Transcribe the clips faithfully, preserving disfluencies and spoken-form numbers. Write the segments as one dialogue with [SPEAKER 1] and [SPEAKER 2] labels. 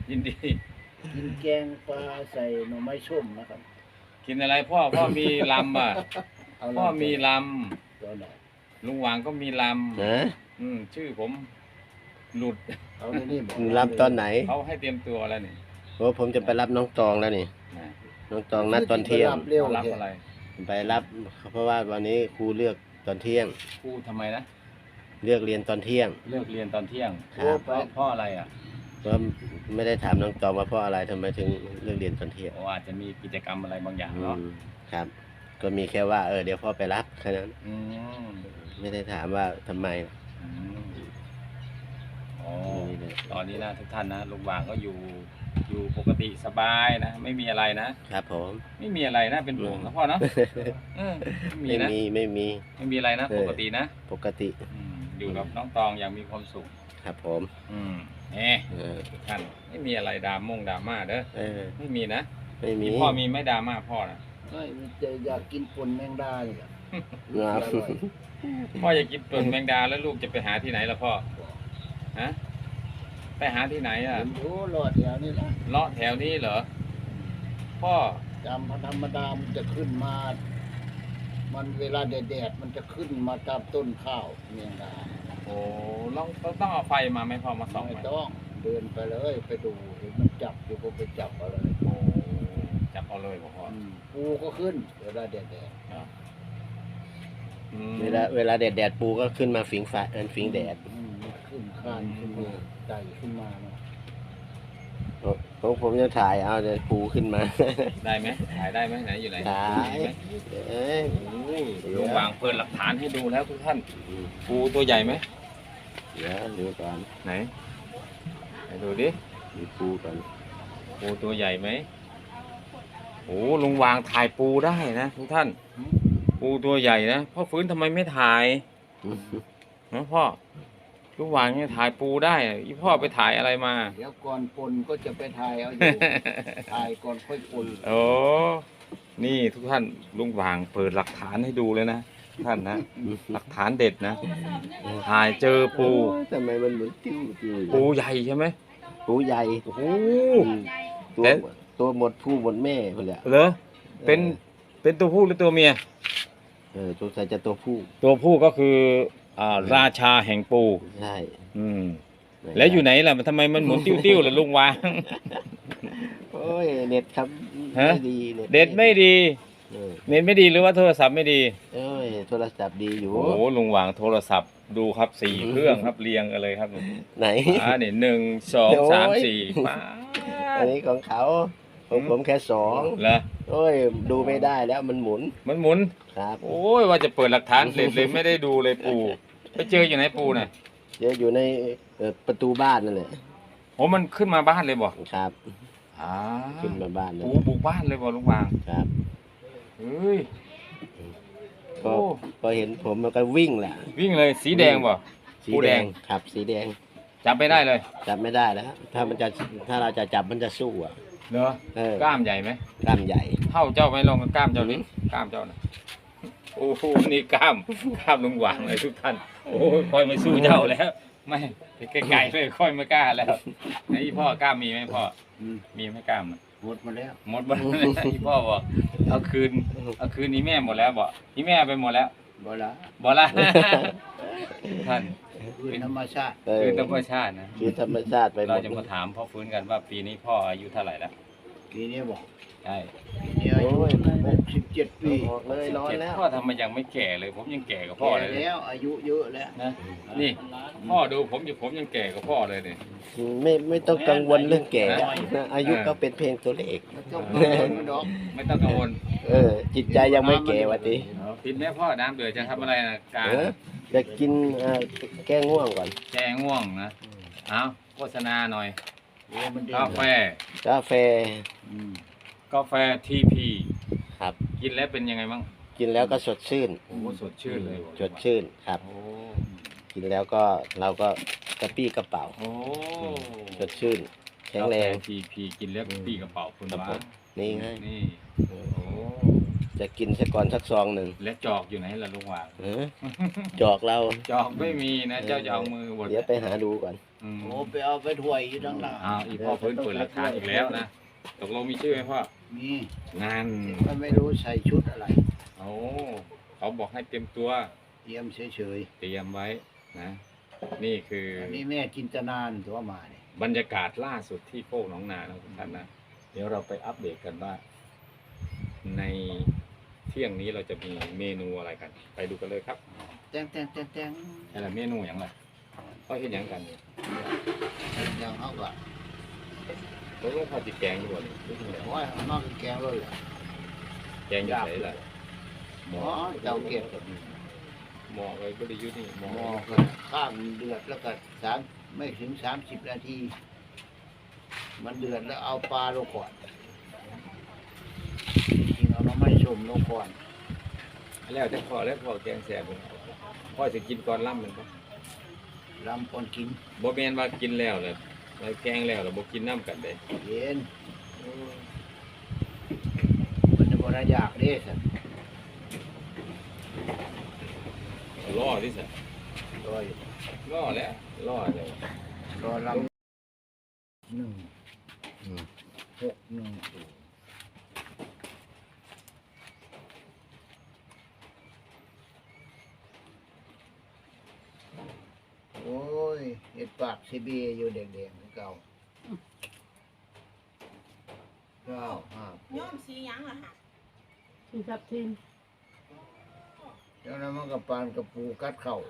[SPEAKER 1] ยินดี
[SPEAKER 2] กินแกงปลาใส่หน่อไม้ส้มนะครับ
[SPEAKER 1] กินอะไรพ่อพ่อมีลำอ่ะพ่อมีล
[SPEAKER 2] ตัวไหน
[SPEAKER 1] ำลุงหวางก็มีลำ
[SPEAKER 3] นะ
[SPEAKER 1] อืมชื่อผมหลุด
[SPEAKER 2] เอาในนี่บอก
[SPEAKER 3] รับตอนไหน
[SPEAKER 1] เขาให้เตรียมตัวแล้วนี่
[SPEAKER 3] โอ้ผมจะไปรับน้องตองแล้วนี่น้องตองนัดตอนเที่ยง
[SPEAKER 1] รับอะไร
[SPEAKER 3] ไปรับเพราะว่าวันนี้ครูเลือกตอนเที่ยง
[SPEAKER 1] ครูทำไมนะ
[SPEAKER 3] เลือกเรียนตอนเที่ยง
[SPEAKER 1] เลือกเรียนตอนเที่ยง
[SPEAKER 3] ครับ
[SPEAKER 1] เพราะเพราะอะไรอ่ะ
[SPEAKER 3] ก็ไม่ได้ถามน้องตองว่าเพราะอะไรทำไมถึงเลือกเรียนตอนเที่ยง
[SPEAKER 1] เพราะว่าจะมีกิจกรรมอะไรบางอย่างเนาะ
[SPEAKER 3] ครับก็มีแค่ว่าเออเดี๋ยวพ่อไปรับแค่นั้นไม่ได้ถามว่าทำไม
[SPEAKER 1] อ๋อตอนนี้นะทุกท่านนะลุงหวางก็อยู่อยู่ปกติสบายนะไม่มีอะไรนะครับ
[SPEAKER 3] ผม
[SPEAKER 1] ไม่มีอะไรนะเป็นห่วงนะพ่อเนาะ
[SPEAKER 3] ไม่มีไม่มี
[SPEAKER 1] ไม่มีอะไรนะปกตินะ
[SPEAKER 3] ปกติ
[SPEAKER 1] อยู่กับน้องตองอย่างมีความสุข
[SPEAKER 3] ครับผม
[SPEAKER 1] อืมเอ๊ะทุกท่านไม่มีอะไรดราม่งดราม่าเด้อไม่มีนะ
[SPEAKER 3] ไม่มี
[SPEAKER 1] พ่อมีไม่ดราม่าพ่อนะ
[SPEAKER 2] ไม่จะอยากกินปนแมงดาเนี่ย
[SPEAKER 1] พ่ออยากกินปนแมงดาแล้วลูกจะไปหาที่ไหนล่ะพ่อฮะไปหาที่ไหนอ่ะ
[SPEAKER 2] โอ้เลาะแถวนี้ละ
[SPEAKER 1] เลาะแถวนี้เหรอพ่อ
[SPEAKER 2] จำธรรมดามันจะขึ้นมามันเวลาแดดๆมันจะขึ้นมาตามต้นข้าวแมงดา
[SPEAKER 1] โอ้ต้องต้องเอาไฟมาไหมพ่อมาส่อง
[SPEAKER 2] ไม่ต้องเดินไปเลยไปดูเห็นมันจับอยู่ก็ไปจับเอาเลย
[SPEAKER 1] โอ้จับเอาเลยพ่อ
[SPEAKER 2] ปูก็ขึ้นเวลาแดด
[SPEAKER 3] เวลาเวลาแดดแดดปูก็ขึ้นมาฝิงฟ้าเอินฝิงแดด
[SPEAKER 2] ขึ้นคานขึ้นมาไต่ขึ้นมาเนาะ
[SPEAKER 3] ผมผมจะถ่ายเอาเดี๋ยวปูขึ้นมา
[SPEAKER 1] ได้ไหมถ่ายได้ไหมไหนอยู่ไหน
[SPEAKER 3] ถ่ายเอ้ย
[SPEAKER 1] ลุงวางเปิดหลักฐานให้ดูแล้วทุกท่านปูตัวใหญ่ไหม
[SPEAKER 3] เดี๋ยวดูก่อน
[SPEAKER 1] ไหนไหนดูดิ
[SPEAKER 3] ดูปูก่อน
[SPEAKER 1] ปูตัวใหญ่ไหมโอ้ลุงวางถ่ายปูได้นะทุกท่านปูตัวใหญ่นะพ่อฟื้นทำไมไม่ถ่ายนะพ่อลุงวางเนี่ยถ่ายปูได้อีพ่อไปถ่ายอะไรมา
[SPEAKER 2] เดี๋ยวก่อนปนก็จะไปถ่ายเอาอยู่ถ่ายก่อนค่อยปน
[SPEAKER 1] โอ้นี่ทุกท่านลุงวางเปิดหลักฐานให้ดูเลยนะท่านนะหลักฐานเด็ดนะถ่ายเจอปู
[SPEAKER 3] ทำไมมันเหมือนติ้วติ้ว
[SPEAKER 1] ปูใหญ่ใช่ไหม
[SPEAKER 3] ปูใหญ่
[SPEAKER 1] โอ้โห
[SPEAKER 3] ตัวตัวหมดผู้หมดแม่คนละ
[SPEAKER 1] เหรอเป็นเป็นตัวผู้หรือตัวเมีย
[SPEAKER 3] เออตัวใส่จะตัวผู้
[SPEAKER 1] ตัวผู้ก็คืออ่าราชาแห่งปู
[SPEAKER 3] ใช่
[SPEAKER 1] อืมแล้วอยู่ไหนล่ะมันทำไมมันหมุนติ้วๆล่ะลุงวาง
[SPEAKER 3] โอ้ยเน็ตครับไม่ดี
[SPEAKER 1] เน็ตไม่ดีเน็ตไม่ดีหรือว่าโทรศัพท์ไม่ดี
[SPEAKER 3] เอ้ยโทรศัพท์ดีอยู่
[SPEAKER 1] โอ้ลุงวางโทรศัพท์ดูครับสี่เครื่องครับเรียงกันเลยครับ
[SPEAKER 3] ไหน
[SPEAKER 1] อ่าเนี่ยหนึ่งสองสามสี่ป้า
[SPEAKER 3] อันนี้ของเขาผมผมแค่สอง
[SPEAKER 1] เหรอ
[SPEAKER 3] โอ้ยดูไม่ได้แล้วมันหมุน
[SPEAKER 1] มันหมุน
[SPEAKER 3] ครับ
[SPEAKER 1] โอ้ยว่าจะเปิดหลักฐานเลยเลยไม่ได้ดูเลยปูไปเจออยู่ไหนปูน่ะ
[SPEAKER 3] เจออยู่ในประตูบ้านนั่นแหละ
[SPEAKER 1] โอ้มันขึ้นมาบ้านเลยบ่
[SPEAKER 3] ครับ
[SPEAKER 1] อ่า
[SPEAKER 3] ขึ้นมาบ้านเลย
[SPEAKER 1] ปูบุกบ้านเลยบ่ลุงวาง
[SPEAKER 3] ครับ
[SPEAKER 1] เฮ้ย
[SPEAKER 3] พอพอเห็นผมมันก็วิ่งแหละ
[SPEAKER 1] วิ่งเลยสีแดงบ่
[SPEAKER 3] สีแดงครับสีแดง
[SPEAKER 1] จับไม่ได้เลย
[SPEAKER 3] จับไม่ได้แล้วถ้ามันจะถ้าเราจะจับมันจะสู้อ่ะ
[SPEAKER 1] เนอะกล้ามใหญ่ไหม
[SPEAKER 3] กล้ามใหญ่
[SPEAKER 1] เท่าเจ้าไหมลองกับกล้ามเจ้านี้กล้ามเจ้านะโอ้โหนี่กล้ามกล้ามลุงหวางเลยทุกท่านโอ้ยค่อยไม่สู้เจ้าแล้วไม่ไกลๆเลยค่อยไม่กล้าแล้วไอ้พ่อกล้ามมีไหมพ่อมีไหมกล้าม
[SPEAKER 2] หมดมาแล้ว
[SPEAKER 1] หมดมาที่พ่อบอกเอาคืนเอาคืนนี้แม่หมดแล้วบอกที่แม่ไปหมดแล้ว
[SPEAKER 2] บ่ละ
[SPEAKER 1] บ่ละท่าน
[SPEAKER 2] เป็นธรรมชาติ
[SPEAKER 1] คือธรรมชาตินะ
[SPEAKER 3] คือธรรมชาติไป
[SPEAKER 1] เราจะมาถามพ่อฟื้นกันว่าปีนี้พ่ออายุเท่าไหร่แล้ว
[SPEAKER 2] ปีนี้บอก
[SPEAKER 1] ใช่
[SPEAKER 2] ปีนี้อายุหกสิบเจ็ดปี
[SPEAKER 3] เลยร้อนแล้ว
[SPEAKER 1] พ่อทำไมยังไม่แก่เลยผมยังแก่กับพ่อเลย
[SPEAKER 2] แล้วอายุเยอะแล้ว
[SPEAKER 1] นะนี่พ่อดูผมอยู่ผมยังแก่กับพ่อเลยเนี่ย
[SPEAKER 3] ไม่ไม่ต้องกังวลเรื่องแก่อายุก็เป็นเพียงตัวเลข
[SPEAKER 1] ไม่ต้องกังวล
[SPEAKER 3] เออจิตใจยังไม่แก่วะที
[SPEAKER 1] กินแม่พ่อน้ำเดือดจะทำอะไรนะการ
[SPEAKER 3] จะกินแก้ง่วงก่อน
[SPEAKER 1] แก้ง่วงนะเอาโฆษณาหน่อยกาแฟ
[SPEAKER 3] กาแฟ
[SPEAKER 1] กาแฟทีพี
[SPEAKER 3] ครับ
[SPEAKER 1] กินแล้วเป็นยังไงบ้าง
[SPEAKER 3] กินแล้วก็สดชื่น
[SPEAKER 1] โอ้สดชื่นเลย
[SPEAKER 3] สดชื่นครับกินแล้วก็เราก็กระปี้กระเป๋า
[SPEAKER 1] โอ้
[SPEAKER 3] สดชื่นแข็งแรง
[SPEAKER 1] ทีพีกินแล้วกระปี้กระเป๋าคุณว่า
[SPEAKER 3] นี่ไง
[SPEAKER 1] นี่โอ้
[SPEAKER 3] จะกินสักก่อนสักซองหนึ่ง
[SPEAKER 1] และจอกอยู่ไหนล่ะลุงวาง
[SPEAKER 3] เออจอกเรา
[SPEAKER 1] จอกไม่มีนะเจ้าจะเอามือบด
[SPEAKER 3] เดี๋ยวไปหาดูก่อน
[SPEAKER 1] อืม
[SPEAKER 2] โอ้ไปเอาไปถ้วยอยู่ทั้งหลัง
[SPEAKER 1] อ้าวอีพ่อฟื้นเปิดหลักฐานอีกแล้วนะตกลงมีชื่อไหมพ่อ
[SPEAKER 2] มี
[SPEAKER 1] งาน
[SPEAKER 2] มันไม่รู้ใส่ชุดอะไร
[SPEAKER 1] โอ้เขาบอกให้เตรียมตัว
[SPEAKER 2] เตรียมเฉย
[SPEAKER 1] เตรียมไว้นะ นี่คือ
[SPEAKER 2] ๆอันนี้แม่จินตนานตัวมาเนี่ย
[SPEAKER 1] บรรยากาศล่าสุดที่โคกหนองนานะทุกท่านนะ เดี๋ยวเราไปอัปเดตกันว่า ในเที่ยงนี้เราจะมีเมนูอะไรกัน ไปดูกันเลยครับ
[SPEAKER 2] แตงแตงแตงแตง
[SPEAKER 1] อะไรเมนูอย่างไรเขาเห็นอย่างกัน
[SPEAKER 2] อย่างเขาก็
[SPEAKER 1] เขาต้องพอจิแกงอยู่บ่นี่
[SPEAKER 2] โอ้ยนอกแกงเลยแหละ
[SPEAKER 1] แกงอยู่ไหนล่ะหม
[SPEAKER 2] อ๋
[SPEAKER 1] อ
[SPEAKER 2] อเจ้าเก็บ
[SPEAKER 1] หมอไว้บริยุทธ์นี่หมอ
[SPEAKER 2] หม้อก็ข้างเดือดแล้วก็สามไม่ถึงสามสิบนาที มันเดือดแล้วเอาปลาลงก่อนจริงๆเอาน้ำมันชมลงก่อน
[SPEAKER 1] แล้วแต่พอแล้วพอแกงแซ่บเลยพ่อจะกินก่อนล่ำมันปะ
[SPEAKER 2] ลำก่อนกิน
[SPEAKER 1] บ่แม่นว่ากินแล้วเลยแล้วแกงแล้วแล้วบ่กินน้ำกันเด้
[SPEAKER 2] เย็นมันจะบ่ได้อยากเด้สัน
[SPEAKER 1] ล่อที่สุด
[SPEAKER 2] รอย
[SPEAKER 1] ล่อแล้วล่อเลย
[SPEAKER 2] รอลำหนึ่ง
[SPEAKER 3] อืม
[SPEAKER 2] หกหนึ่งศูนย์โอ้ยเห็ดปากซีบีอยู่แดงๆคือเก่าเก้าห้า
[SPEAKER 4] ย้อมสีหยังล่ะฮะ
[SPEAKER 5] สีทับทิม
[SPEAKER 2] เจ้านั้นมันกับปานกับปูกัดเข่า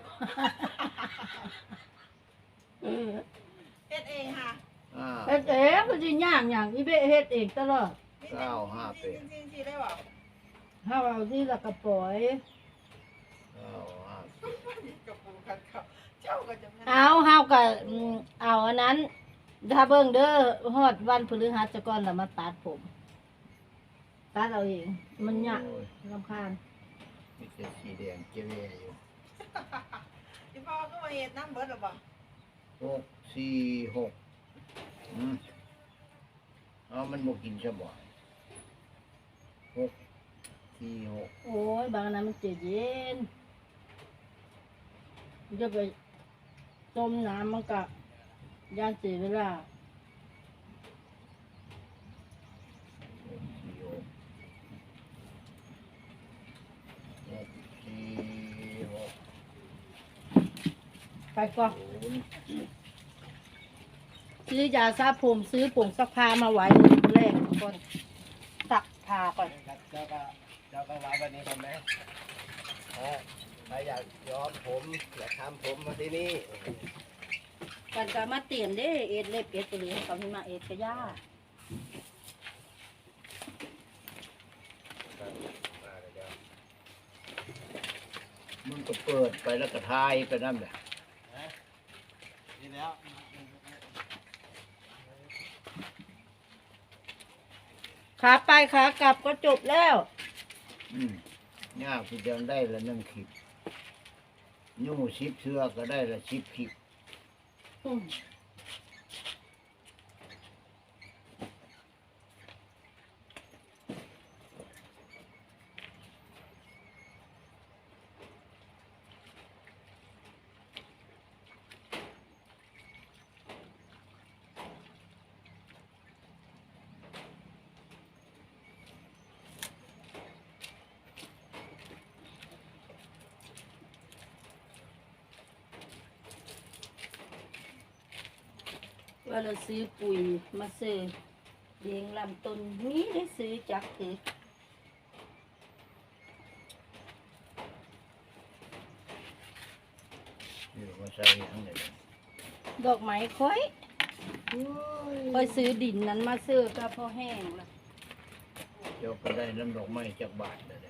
[SPEAKER 5] เออ
[SPEAKER 4] เฮ็ดเองค่ะ
[SPEAKER 2] อ่า
[SPEAKER 5] เฮ็ดเองก็สิย่างอย่างอีเบะเฮ็ดเองตลอด
[SPEAKER 2] เก้าห้าแปด
[SPEAKER 4] จริงๆๆได้บ่
[SPEAKER 5] เฮาเอาที่ละกระปล่อย
[SPEAKER 2] เก้าห้าแปด
[SPEAKER 4] กับปูกันเขาเจ้าก็จะแม่น
[SPEAKER 5] เอาเฮาก็อืมเอาอันนั้น ถ้าเบิ่งเด้อฮอดวันพฤหัสก่อนแล้วมาตัดผมตัดเอาเอง มันยาก
[SPEAKER 2] โอ้ย
[SPEAKER 5] รำคาญ
[SPEAKER 2] มีแต่สีแดงเจ๊แย่อยู่
[SPEAKER 4] ที่พ่อก็มาเฮ็ดน้ำเบิดหรอบ่
[SPEAKER 2] หกสี่หกอืมเอามันบ่กินซะบ่หกสี่หก
[SPEAKER 5] โอ้ยบางอันนั้นมันเจ็บเย็นจะไปต้มน้ำมันก็ย่านเสียเวลา
[SPEAKER 2] หกสี่หกหกสี่หก
[SPEAKER 5] ไปก่อน
[SPEAKER 2] ศูนย์
[SPEAKER 5] ซื้อยาซาผมซื้อผงซักผ้ามาไว้แรกก่อนซักผ้าก่อน
[SPEAKER 3] เจ้าก็เจ้าก็ไว้วันนี้ทำไหมเออใครอยากย้อมผมอยากทำผมมาที่นี่
[SPEAKER 5] กันก็มาเตรียมเด้เอ็ดเล็บเอ็ดตัวนี้เขาให้มาเอ็ดกระย่า
[SPEAKER 2] มันก็เปิดไปแล้วก็ทายไปนั่นแหละ
[SPEAKER 3] นี่แล้ว
[SPEAKER 5] ขาไปขากลับก็จบแล้ว
[SPEAKER 2] อืมยากที่จะได้ละหนึ่งคลิปยู่ชิปเชือก็ได้ละชิปคลิป
[SPEAKER 5] อืมว่าเราซื้อปุ๋ยมาซื้อเลี้ยงลำต้นนี้ได้ซื้อจากคือ
[SPEAKER 2] อยู่มาใส่ทั้งนี้
[SPEAKER 5] ดอกไม้ค่อยค่อยซื้อดินนั้นมาซื้อก็พอแห้งละ
[SPEAKER 2] เจ้าก็ได้น้ำดอกไม้จากบาทเลย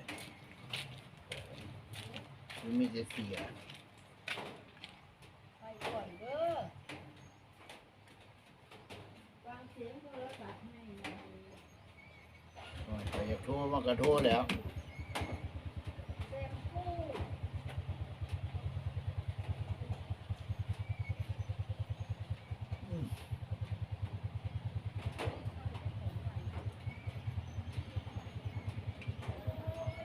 [SPEAKER 2] มันมีแต่เสีย
[SPEAKER 5] ไปก่อนเด้อวางเสียงโทรศัพท์ให้หน่อย
[SPEAKER 2] โอ้ยแต่อยากโทรมันก็โทรแล้ว
[SPEAKER 5] แซมคู่
[SPEAKER 2] เ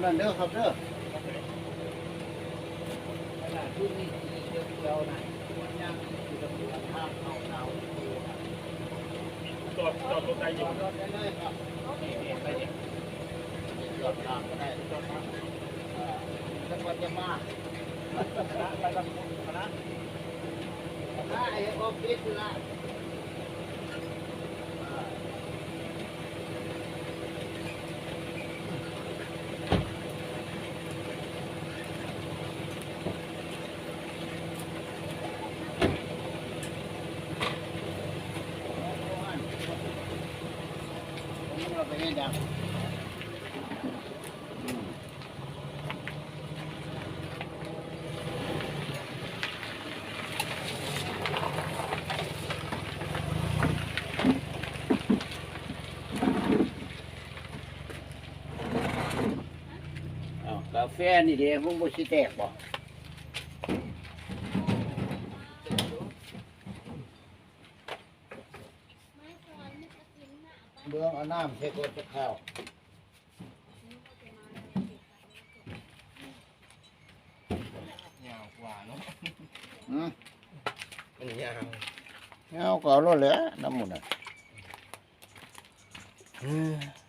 [SPEAKER 2] นั่นเด้อครับเด้อ
[SPEAKER 3] ขนาดที่นี่เดียวๆนะมันยังอยู่ตรงนี้ทางเข้าเตา
[SPEAKER 6] จอดจอดรถได้อยู่
[SPEAKER 3] รถได้เลยครับนี่นี่ไปนี่จอดทางก็ได้จอดทางเอ่อจังหวัดยะมาคณะไปกับคณะคณะไอ้ออฟฟิศละอ่า
[SPEAKER 2] ผมเราไปให้ดัง อ้าวกาแฟนี่เด้มึงบ่สิแตกบ่เบื้องเอาน้ำใส่กดจะข้าว
[SPEAKER 3] ยาวกว่าเนาะ
[SPEAKER 2] อืม
[SPEAKER 3] มันยาว
[SPEAKER 2] เอาก็เอารถแหล้วน้ำหมันอ่ะ
[SPEAKER 3] เออ